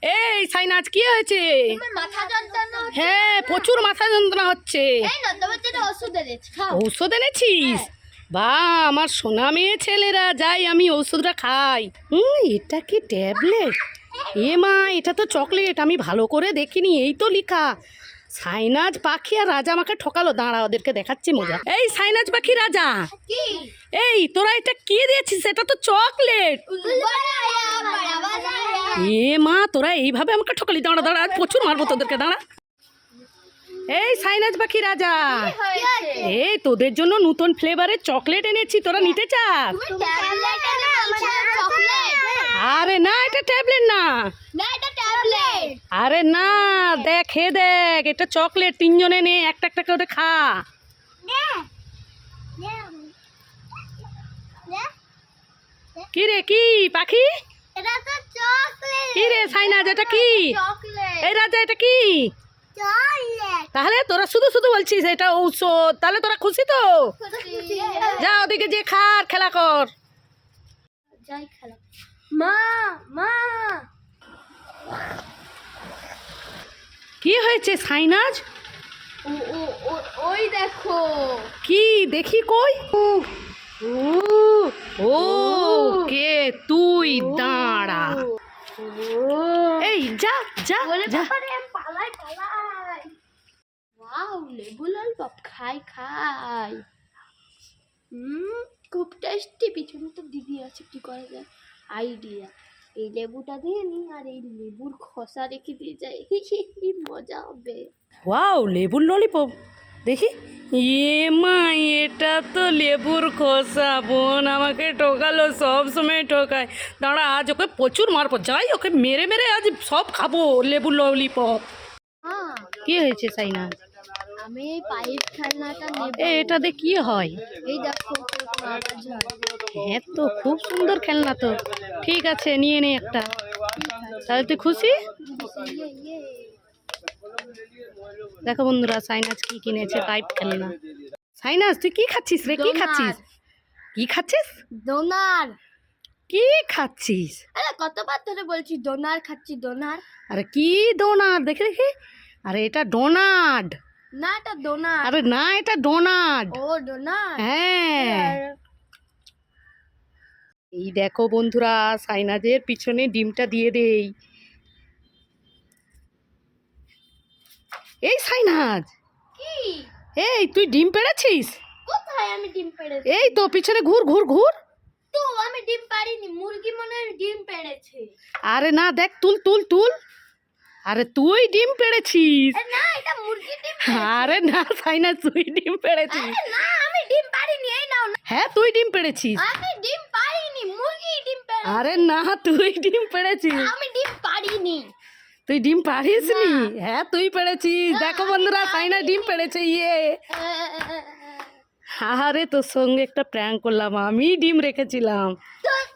এই সাইনাজ কি হয়েছে? মাথা যন্ত্রণা হচ্ছে। হ্যাঁ প্রচুর মাথা যন্ত্রণা হচ্ছে। এই না তোমার জন্য ওষুধ এনেছি, খাও। ঔষধ এনেছিস? বা আমার সোনা মেয়ে ছেলেরা, যাই আমি ওষুধটা খাই। এটা কি ট্যাবলেট? এ মা, এটা তো চকলেট। আমি ভালো করে দেখিনি, এই তো লেখা সাইনাজ পাখি আর রাজা আমাকে ঠকালো। দাঁড়া, ওদেরকে দেখাচ্ছি মজা। এই সাইনাজ পাখি রাজা, কি? এই তোরা এটা কি দিয়েছিস? এটা তো চকলেট। এ মা, তোরা এইভাবে আমাকে ঠকালি। দাঁড়া দাঁড়া, আজ প্রচুর মারবো তোদেরকে। দাঁড়া। এই সাইনাজ পাখি রাজা, এই তোদের জন্য নতুন ফ্লেভারের চকলেট এনেছি, তোরা নিতে চাস? আরে না, এটা ট্যাবলেট না। আরে না, দেখ হে দেখ, এটা চকলেট। তিনজনে নে, একটা একটা করে খা। কি রে, কি পাখি? কি রে সাইনাজ, এটা কি? এই রাজা, এটা কি? তাহলে তোরা শুধু শুধু বলছিস এটা ঔষধ। তাহলে তোরা খুশি তো? যা ওদিকে যে খা আর খেলা কর। মা মা কি হয়েছে সাইনাজ? ওই দেখো। কি দেখি, কই? ও কে তুই? দাঁড়া। এই যা যা যা। পালাই। ওয়াও, লেবু ললিপপ খাই। খুব টেস্টি। পিছনে তো দিদি আছে, কি করা যায়? আইডিয়া, এই লেবুটা দিয়ে নি আর এই লেবুর খোসা রেখে দিয়ে যাই, মজা হবে। ওয়াও, লেবুর ললিপপ দেখি। এ মা, এটা তো লেবুর খোসা। বোন আমাকে ঠকালো, সব সময় ঠকায়। দাঁড়া, আজ ওকে প্রচুর মারবো। যাই, ওকে মেরে মেরে আজ সব খাবো লেবুর ললিপপ। হ্যাঁ, কি হয়েছে সাইনা? আমি এই পাইপ খেলনাটা নেব। এটা দিয়ে কি হয়? এই দেখো, আওয়াজ হয়। হ্যাঁ তো, খুব সুন্দর খেলনা তো। ঠিক আছে, নিয়ে নে একটা। তাহলে তুই খুশি? ইয়ে। দেখো বন্ধুরা, সাইনাজ কি কিনেছে, পাইপ খেলনা। সাইনাজ, তুই কি খাচ্ছিস রে? কি খাচ্ছিস? কি খাচ্ছিস? ডোনার। কি খাচ্ছিস? আরে কতবার ধরে বলছি ডোনার খাচ্ছি, ডোনার। আরে কি ডোনাট? দেখে দেখি। আরে এটা ডোনাট। না, এটা ডোনার। আরে না, এটা ডোনাট। ও ডোনার। হ্যাঁ। এই দেখো বন্ধুরা, সাইনাজের পিছনে ডিমটা দিয়ে দেই। এই সাইনাজ, কি? এই তুই ডিম পেড়েছিস? কোথায় আমি ডিম পেড়েছি? এই তো পিছনে ঘুর ঘুর ঘুর। তো আমি ডিম পারিনি, মুরগি মনে হয় ডিম পেড়েছে। আরে না, দেখ, তুল তুল তুল। আরে তুই ডিম পেড়েছিস। না, এটা মুরগি ডিম। আরে না সাইনাজ, তুই ডিম পেড়েছিস। না, আমি ডিম পারিনি। এই নাও। হ্যাঁ তুই ডিম পেড়েছিস। আমি ডিম পারিনি, মুরগি ডিম পেড়েছে। আরে না, তুই ডিম পেড়েছিস। আমি ডিম পারিনি। তুই ডিম পারিসনি? হ্যাঁ তুই পেড়েছিস। দেখো বন্ধুরা, সাইনা ডিম পেড়েছে। ইয়ে, আরে তোর সঙ্গে একটা প্র্যাঙ্ক করলাম, আমি ডিম রেখেছিলাম।